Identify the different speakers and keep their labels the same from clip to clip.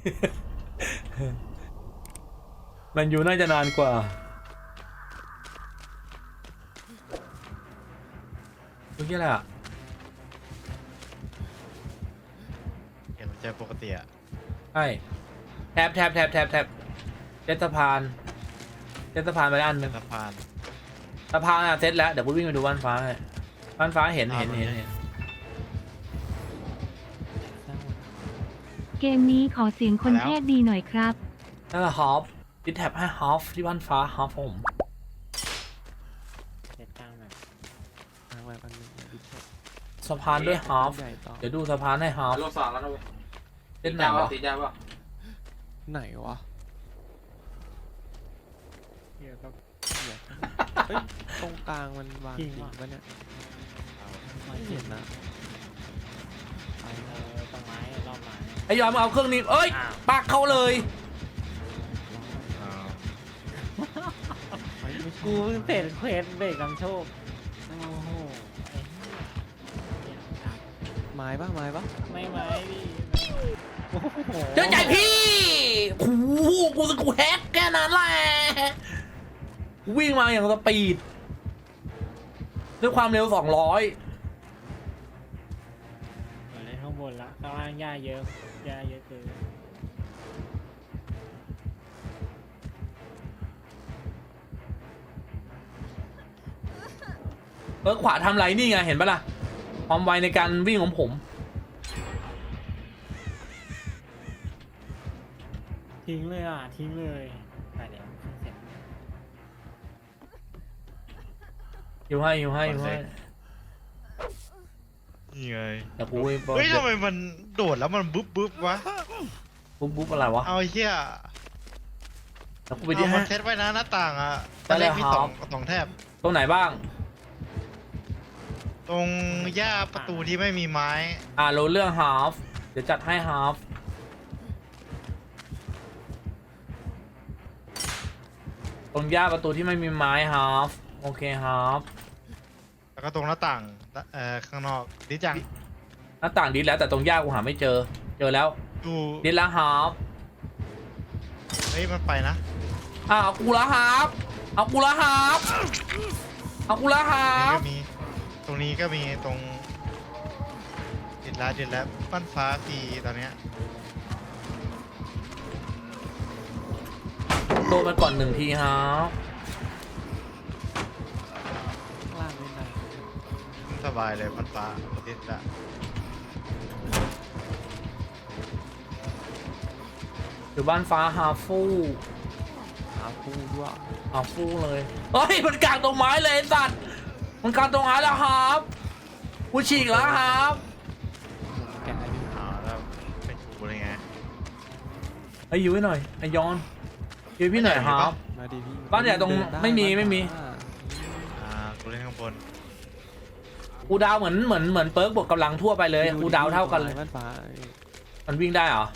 Speaker 1: มันอยู่น่าจะนานกว่าดูยี่อะไรอ่ะ
Speaker 2: เห็นมันจะปกติอะ
Speaker 1: ใช่แทบเซตสะพานไปอันหนึ่ง
Speaker 2: สะพาน
Speaker 1: สะพานอะเซตแล้วเดี๋ยวกูวิ่งไปดูบ้านฟ้าให้บ้านฟ้าเห็น
Speaker 3: เกมนี้ขอเสียงคนเทศดีหน่อยครับ
Speaker 1: นั่นแหละฮอฟดิแท็บให้ฮอฟที่บ้านฟ้าฮอฟผม
Speaker 4: เจ็ดกลางแบบ
Speaker 5: ทางแบบอันนึงดิเช็ค
Speaker 1: สะพานด้วยฮอฟ
Speaker 5: ใหญ่ต่อ
Speaker 1: เดี๋ยวดูสะพานให้ฮอฟ
Speaker 6: รอบสองแล้วนะเว้ย
Speaker 1: เล่นไหนวะ
Speaker 6: ตีได้ป่ะ
Speaker 5: ไหนวะ
Speaker 4: เดี๋ยวก็
Speaker 5: เหี้ยเฮ้ยตรงกลางมันวางจริงปะเนี่ยไม่เห็นนะไป
Speaker 4: ต้นไม้รอบไม้
Speaker 1: ไอ้ยอมเอาเครื่องนี้เอ้ย
Speaker 4: อ้าว
Speaker 1: ปักเข้าเลย
Speaker 2: อ้าว
Speaker 5: ไม่ใช่
Speaker 4: กูเพิ่งเสร็จเควสเบรกนำโชคโอ้โหไอ้เหี้ย
Speaker 5: ไม้ปะ
Speaker 4: ไม่ไหมพี่โอ้โห
Speaker 1: เจอใจพี่โอ้โหกูแฮกแค่นั้นแหละวิ่งมาอย่างสปีดด้วยความเร็ว200
Speaker 4: เล่นข้างบนละข้างล่างหญ้าเยอะเกิน
Speaker 1: ขวาทำไรนี่ไงเห็นปะล่ะความไวในการวิ่งของผม
Speaker 4: ทิ้งเลยไปเดี๋ยวเสร็จ
Speaker 1: อยู่ให้
Speaker 2: นี่ไง
Speaker 1: แต่กูวิ่ง
Speaker 2: เฮ้ยทำไมมันโดดแล้วมันบึ๊บวะ
Speaker 1: บุ๊บอะไรวะ
Speaker 2: เอาไอ้เหี้ย
Speaker 1: แล้วกูไป
Speaker 2: เอา
Speaker 1: ที่
Speaker 2: มั
Speaker 1: ห้าน
Speaker 2: เซตไว้นะหน้าต่างอะ
Speaker 1: ได้
Speaker 2: ตอน
Speaker 1: เล
Speaker 2: แร
Speaker 1: ย
Speaker 2: กมี
Speaker 1: ครับ
Speaker 2: สองแถบ
Speaker 1: ตรงไหนบ้าง
Speaker 2: ตรงหญ้าประตูที่ไม่มีไม้
Speaker 1: รู้เรื่องฮาฟเดี๋ยวจัดให้ฮาฟตรงย่าประตูที่ไม่มีไม้ฮาฟโอเคฮาฟ
Speaker 2: แล้วก็ตรงหน้าต่างข้างนอกดิจัง
Speaker 1: หน้าต่างดิสแล้วแต่ตรงย่ากูหาไม่เจอแล้ว
Speaker 2: ดู
Speaker 1: ดิสแล้วฮาฟ
Speaker 2: เฮ้ยมันไปนะ
Speaker 1: เอากูละฮาฟเอากูละฮาฟ
Speaker 2: ตรงนี้ก็มีตรงดิดแล้วปั้นฟ้าฟรีตอนเนี้ย
Speaker 1: โดนไปก่อน1 ทีฮาฟ
Speaker 5: ข้างล่างไม่ได้
Speaker 2: สบายเลยปั้นฟ้าดิดละ
Speaker 1: อยู่บ้านฟ้าฮาฟู
Speaker 5: หาคู่ด้วย
Speaker 1: ฮาฟูเลยเฮ้ยมันกลางตรงไม้เลยไอ้สัตว์มันกลางตรงไม้แล้วฮาฟกูฉีกแล้วฮาฟ
Speaker 5: แกะอยู่
Speaker 2: แล้วเป็นกูเลยไง
Speaker 1: ไอ้ยูไว้หน่อยไอ้ยอนยูพี่หน่อยฮาฟ
Speaker 5: มาดีพี่
Speaker 1: บ้านใหญ่ตรง
Speaker 5: เดิด้
Speaker 1: ไม่มี
Speaker 2: กูเล่นข้างบน
Speaker 1: กูดาวเหมือนเปิร์กบวกกำลังทั่วไปเลยกูดาวเท่ากันเลย
Speaker 5: บ้านฟ้า
Speaker 1: มันวิ่งได้เหรอ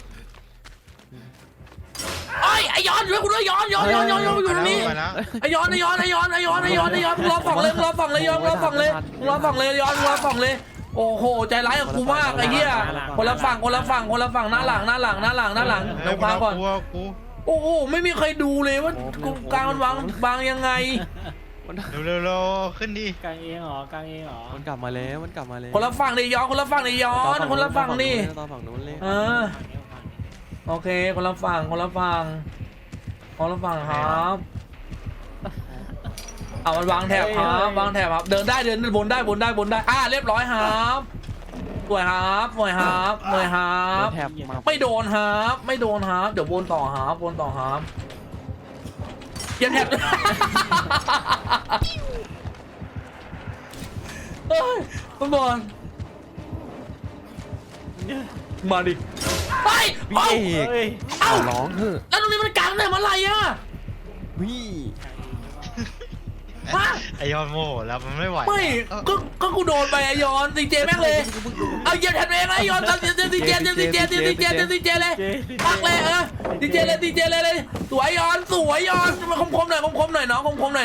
Speaker 1: ไอ้ไอ้ยอนช่วยกูด้วยยอนอยู่ตรงนี้
Speaker 2: ไปแล้ว
Speaker 1: ไอ้ยอนมึงรอฝั่งเลยยอนมึงรอฝั่งเลยโอ้โหใจร้ายกับกูมากไอ้เหี้ยคนละฝั่งหน้าหลังเดี๋ยวฟังก่อน
Speaker 2: กู
Speaker 1: โอ้โหไม่มีใครดูเลยว่ากูกลางมันวางยังไง
Speaker 2: เร็วขึ้นดิ
Speaker 4: กลางเองเหรอ
Speaker 5: มันกลับมาแล้ว
Speaker 1: คนละฝั่งดิยอนคนละฝั่งนี่
Speaker 5: ต่อฝั่งนู้นเลย
Speaker 1: โอเคคนละฝั่งครับมันวางแถบครับเดินได้บนได้เรียบร้อยครับสวยครับ
Speaker 5: แถบมา
Speaker 1: ไม่โดนครับเดี๋ยววนต่อครับเก็บแถบเฮ้ยคุณบอลมาดิไป
Speaker 5: พี่เอก
Speaker 1: เอ้า
Speaker 5: ร้องเถอะ
Speaker 1: แล้วตรงนี้มันกลางเนี่ยมันอะไรอ่ะ
Speaker 5: พี่
Speaker 2: ไอยอนโมแล้วมันไม่ไหว
Speaker 1: ไม่ก็กูโดนไปไอยอนดีเจแม่งเลยเอาเหยียบแทนเองไอยอนดีเจเลยปักเลยดีเจเลยสวยยอนมาคมหน่อยน้อง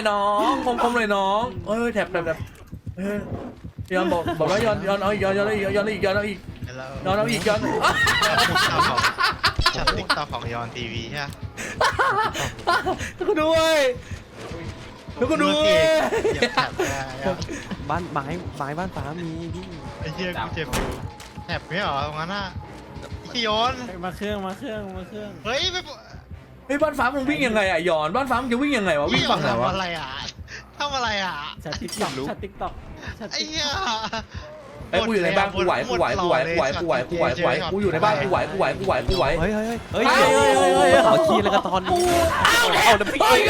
Speaker 1: แถบยอนบอกแล้วยอนเอาอีกยอนเอาอีก
Speaker 2: แล้ว
Speaker 1: ยอนเอาอีกยอน
Speaker 2: กูช็อตติ๊กต็อกของยอนทีวีใช่ไหม
Speaker 1: แล้วก็ด้วยแล้วก็ด้วย
Speaker 2: เหยียบแถบได้อะ
Speaker 5: บ้านไม้บ้านฟ้ามีพี่
Speaker 2: ไอ้เหี้ยกูเจ็บอยู่แถบไม่เหรอตรงนั้นน่ะพี่โยน
Speaker 4: เฮ้ยมาเครื่อง
Speaker 2: เฮ้ยไม่
Speaker 1: เฮ้ยบ้านฟ้ามึงวิ่งยังไงอ่ะหยอนบ้านฟ้ามึงจะวิ่งยังไงวะวิ่งฝั่งไหนวะ
Speaker 2: ทำอะไรอ่ะทำอะไรอ่ะ
Speaker 4: ชัดติ๊กต็อกชัดติ๊กต็อกชัด
Speaker 2: ไอ้
Speaker 4: ติ๊ก
Speaker 2: เหี้ย
Speaker 1: ไอ้กูอยู่ในบ้านกูไหวกูอยู่ในบ้านกูไหว
Speaker 5: เฮ้ยขอคีย์แล้วก็ตอนนี้เอาเดี๋ยวพี่
Speaker 1: เฮ้ย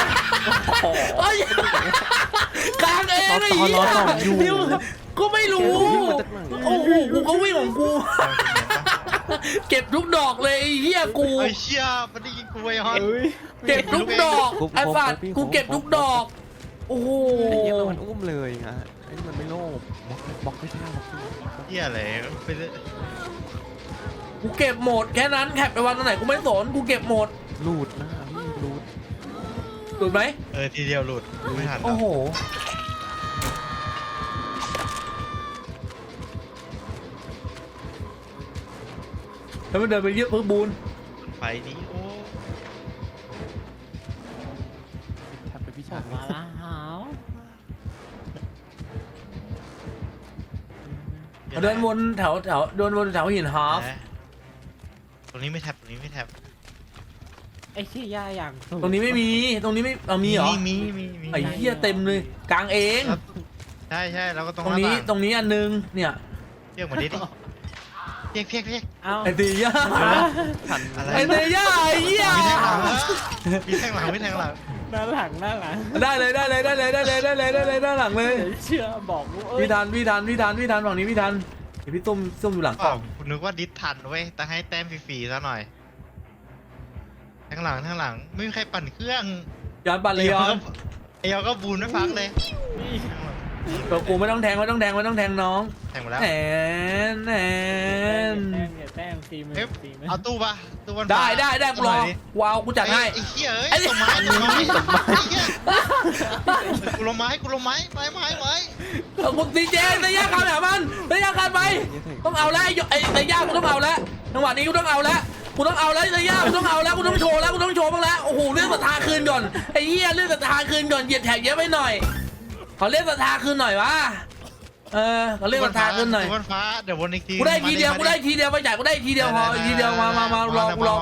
Speaker 1: กลางเองไอ้เหี้ยกูไม่รู้โอ้โหกูก็วิ่งของกูเก็บทุกดอกเลยไอ้เหี้ยกู
Speaker 2: ไอ้เชี่ยมันได้ยิงกูไอ้ฮอน
Speaker 1: เก็บทุกดอกไอ้สัตว์กูเก็บทุกดอกโอ้โห
Speaker 5: ไอ้เหี้ยมันอุ้มเลยฮะไอ้นี่มันไม่โลภบล็อกไม่ใช่บล็อก
Speaker 2: เหี้ยอะไรไปเลย
Speaker 1: กูเก็บหมดแค่นั้นแคปไปวันไหนกูไม่สนกูเก็บหมด
Speaker 5: หลุดนะพี่หลุด
Speaker 1: ถูกไหม
Speaker 2: ทีเดียวหลุดไม่ทัน
Speaker 1: โอ้โหแล้วมันเดินไปเยอะเพิ่มบูน
Speaker 2: ไฟนี้โอ้
Speaker 5: แทบไปพี่ชาย
Speaker 4: มาละหาว
Speaker 1: เดินวนแถวเดินวนแถวหินฮาร์ฟ
Speaker 2: ตรงนี้ไม่แท็บตรงนี้ไม่แท็บ
Speaker 4: ไอ้เชี่ยย่าอย่างสู
Speaker 1: ตรงนี้ไม่มีตรงนี้ไม่เอามีเหรอ
Speaker 2: มี
Speaker 1: ไอ้เหี้ยเต็มเลยกลางเอง
Speaker 2: ใช่แล้วก็ตรง
Speaker 1: ตรงนี้ตรงนี้อันนึงเนี่ย
Speaker 2: เรียกเหมือนดิเรียก
Speaker 4: เอา
Speaker 1: ไอ้ตีย่า
Speaker 5: ทัน
Speaker 2: อะไร
Speaker 1: ไอ้ตีย่าไอ้เหี้ย
Speaker 2: มีแทงหลัง
Speaker 4: หน้าหลัง
Speaker 1: ได้เลยด้านหลังเลย
Speaker 4: เชื่อบอกกูเอ้ย
Speaker 1: พี่ทันฝั่งนี้พี่ทันเดี๋ยวพี่ต้มอยู่หลังก
Speaker 2: อ๋
Speaker 1: ล่
Speaker 2: อ
Speaker 1: อง
Speaker 2: คุณนึกว่าดิสทันเว้ยแต่ให้แต้มฟรีๆซะหน่อยแทงหลังไม่มีใครปั่นเครื่อง
Speaker 1: ย้อนปั่นเลยย้อน
Speaker 2: ไอ้ยอก็บูนไม่พักเลย
Speaker 4: นี่
Speaker 1: ตัวกูไม่ต้องแทงน้อง
Speaker 2: แทงมาแล้ว
Speaker 1: แหน
Speaker 4: อย่าแต้มตีมือ
Speaker 2: เอ๊ะ
Speaker 4: ตีมือ
Speaker 2: เอาตู้ปะตู้วัน
Speaker 1: ได้กูรอว้าวกูจัดให้
Speaker 2: ไอ้เหี้ยเอ้ยต้นไม้ไอ้เหี้ยกูลงไม้ไม้
Speaker 1: กูตีเจนตีย่าขาดแบบมันตีย่าขาดไปต้องเอาแล้วไอ้ตีย่ากูต้องเอาแล้วจังหวะนี้กูต้องเอาแล้วตีย่ากูต้องเอาแล้วกูต้องโชว์บ้างแล้วโอ้โหเรื่องศรัทธาคืนก่อนไอ้เหี้ยเรื่องศรัทธาคืนก่อนเหยียดแถบเยอะไปหน่อยขอเรื่องศรัทธาคืนหน่อยวะขอเรื่องศรัทธาคืนหน่อย
Speaker 2: วันฟ้าเดี๋ยววนอีกที
Speaker 1: กูได้ทีเดียวไปจ่ายกูได้ทีเดียวพอทีเดียวมารอกูรอ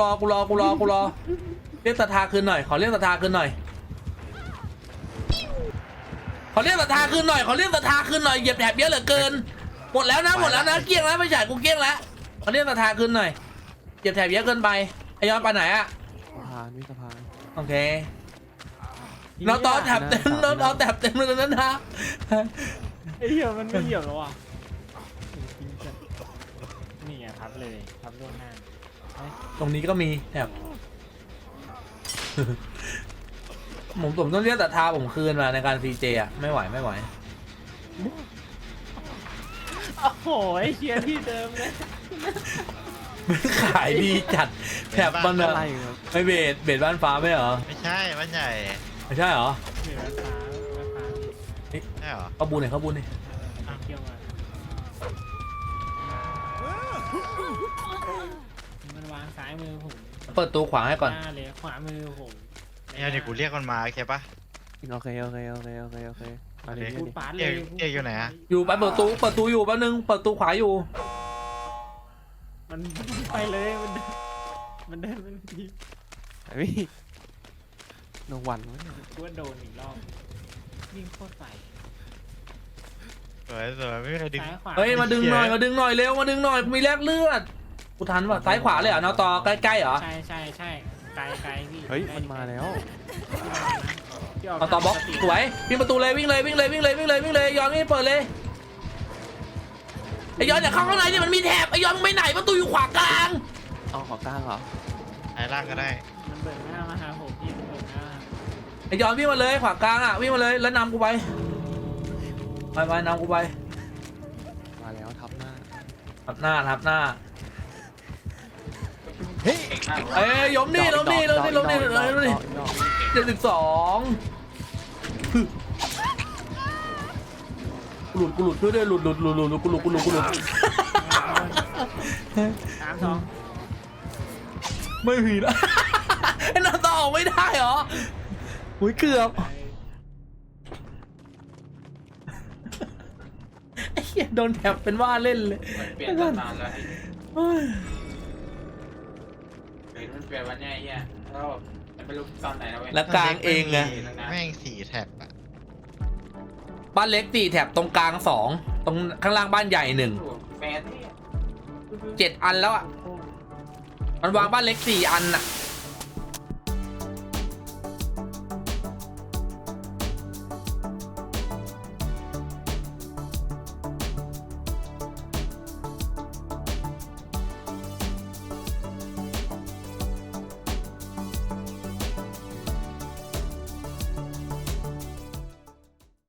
Speaker 1: เรียกศรัทธาคืนหน่อยขอเรียกศรัทธาคืนหน่อยเหยียบแถบเยอะเหลือเกินหมดแล้วนะเกลี้ยงแล้วไปจ่ายกูเกลี้ยงแล้วขอเรียกศรัทธาคืนหน่อยเหยียบแถบเยอะเกินไปไอ้ย้อนไปไหนอะ
Speaker 5: สะพาน
Speaker 1: โอเคน้องต่อแถบเต็มเลยนั้นนะ
Speaker 4: ไอ้เหี้ยมันไม่เหยียบแล้วอ่ะนี่ไงทับเลยทับล่วงหน้า
Speaker 1: ตรงนี้ก็มีแถบผมต้องเรียกศรัทธาผมคืนมาในการซีเจอะไม่ไหว
Speaker 4: โอ้โหไอ้เชี่ยที่เดิมเลย
Speaker 1: มันขายดีจัดแถบมัน
Speaker 5: อะ
Speaker 1: อะ
Speaker 5: ไรครับ
Speaker 1: ไม่เบสบ้านฟ้าไม่เหรอ
Speaker 2: ไม่ใช่บ้านใหญ่
Speaker 1: ไม่ใช่เหรอ
Speaker 4: เหนือฟ้า
Speaker 2: ใช่เหรอ
Speaker 1: เข้าบูนหน่อย
Speaker 4: เที่ยวมามันวางซ้ายมือผม
Speaker 1: เปิดตัวขวางให้ก่อน
Speaker 4: หน้าเลยขวามือผม
Speaker 2: เนี่ยเดี๋ยวกูเรียกมันมาโอเคปะ
Speaker 5: โอเคมาเลย
Speaker 4: พูดปาดเลย
Speaker 2: เอกอยู่ไหนอะ
Speaker 1: อยู่ไปเปิดตูอยู่แป๊บนึงเปิดตูขวาอยู่
Speaker 4: มันไปเลยมันเดินที
Speaker 5: พี่โนวันวะเนี่ย
Speaker 4: กูว่าโดนอีกรอบวิ่งโคตรใส่
Speaker 2: สวยไม่มีใครดึง
Speaker 4: ซ้ายขวา
Speaker 1: เฮ้ยมาดึงหน่อยเร็วมีแลกเลือดกูทันป่ะซ้ายขวาเลยเหรอนาต่อใกล้ๆเหรอ
Speaker 4: ใช่ไกลพี่
Speaker 5: เฮ้ยมันมาแล้ว
Speaker 1: นาต่อบล็อกสวยวิ่งประตูเลยวิ่งเลยย้อนนี่เปิดเลยไอ้ย้อนอย่าเข้าข้างในดิมันมีแถบไอ้ย้อนไปไหนประตูอยู่ขวากลาง
Speaker 5: เอาขอกลางเหรอ
Speaker 2: ไอ้ล่างก็ได้
Speaker 4: มันเบิกหน้ามาหาผมพี่มันเบิกหน้า
Speaker 1: ไอ้ย้อนวิ่งมาเลยขวากลางอ่ะวิ่งมาเลยแล้วนำกูไปนำกูไป
Speaker 5: มาแล้วทับหน้า
Speaker 1: ทับหน้าเฮ้ยยมนี่72กูหลุดด้วยหลุด
Speaker 4: 3-2
Speaker 1: ไม่มีแล้ว ไอ้นอนต่อออกไม่ได้เหรออุ้ยเกือบไอ้เหี้ยโดนแถบเป็นว่าเล่นเลย
Speaker 6: มันเปลี่ยนตั้งนานแล้วไอ้มันเปลี่ยนวันเนี้ยไอ้เหี้ยแล้วแบบไม่รู้ตอนไหนแล้วเว้ย
Speaker 1: แล้วกลางเองไง
Speaker 2: แม่ง4 แท็บอะ
Speaker 1: บ้านเล็ก4 แถบตรงกลาง2ตรงข้างล่างบ้านใหญ่1
Speaker 6: แฟนเนี่ย
Speaker 1: 7 อันแล้วอ่ะมันวางบ้านเล็ก4 อันอ่ะ